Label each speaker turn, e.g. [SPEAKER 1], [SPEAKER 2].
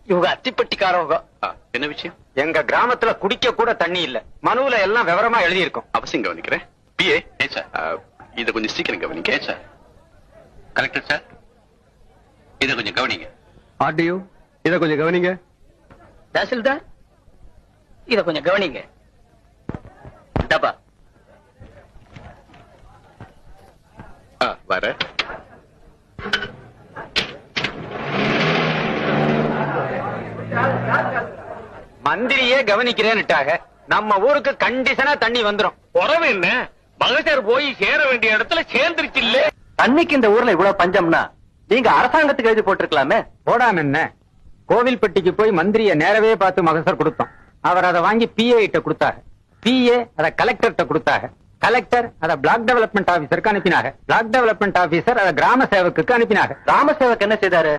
[SPEAKER 1] இவங்க அத்திப்பட்டிக்காரவங்க.
[SPEAKER 2] என்ன விஷயம்?
[SPEAKER 1] எங்க கிராமத்துல குடிக்க கூட தண்ணி இல்ல. மனுவுல எல்லாம் விவரமா எழுதி இருக்கும்.
[SPEAKER 2] அவசியம் கவனிக்கிறேன். பிஏ சார், இத கொஞ்சம் சீக்கிரம் கவனிக்க சார். கலெக்டர் சார், இத கொஞ்சம் கவனிங்க.
[SPEAKER 1] ஆர்டிஓ, இத கொஞ்சம் கவனிங்க.
[SPEAKER 3] தாசில்தார், இத கொஞ்சம் கவனிங்க. டப்பா
[SPEAKER 2] வர
[SPEAKER 1] மந்திரியே கவனிக்கிறேன்னுட்டாக. நம்ம ஊருக்கு கண்டிஷனா தண்ணி வந்துரும்.
[SPEAKER 4] உறவு என்ன? மகசர் போய் சேர வேண்டிய இடத்துல சேர்ந்துருச்சு இல்ல.
[SPEAKER 3] தண்ணிக்கு இந்த ஊர்ல இவ்வளவு பஞ்சம்னா நீங்க அரசாங்கத்துக்கு எழுதி போட்டிருக்கலாமே.
[SPEAKER 1] போடாம என்ன, கோவில்பட்டிக்கு போய் மந்திரிய நேரவே பார்த்து மகசர் கொடுத்தோம். அவர் அதை வாங்கி பிஏ கிட்ட கொடுத்தாங்க. பிஏ அதை கலெக்டர்கிட்ட கொடுத்தாங்க. கலெக்டர் அதை பிளாக் டெவலப்மெண்ட் ஆபீசருக்கு அனுப்பினாங்க. பிளாக் டெவலப்மெண்ட் ஆபீசர் அதை கிராம சேவக்குக்கு அனுப்பினாங்க.
[SPEAKER 3] ராமசேவக் என்ன செய்தாரு?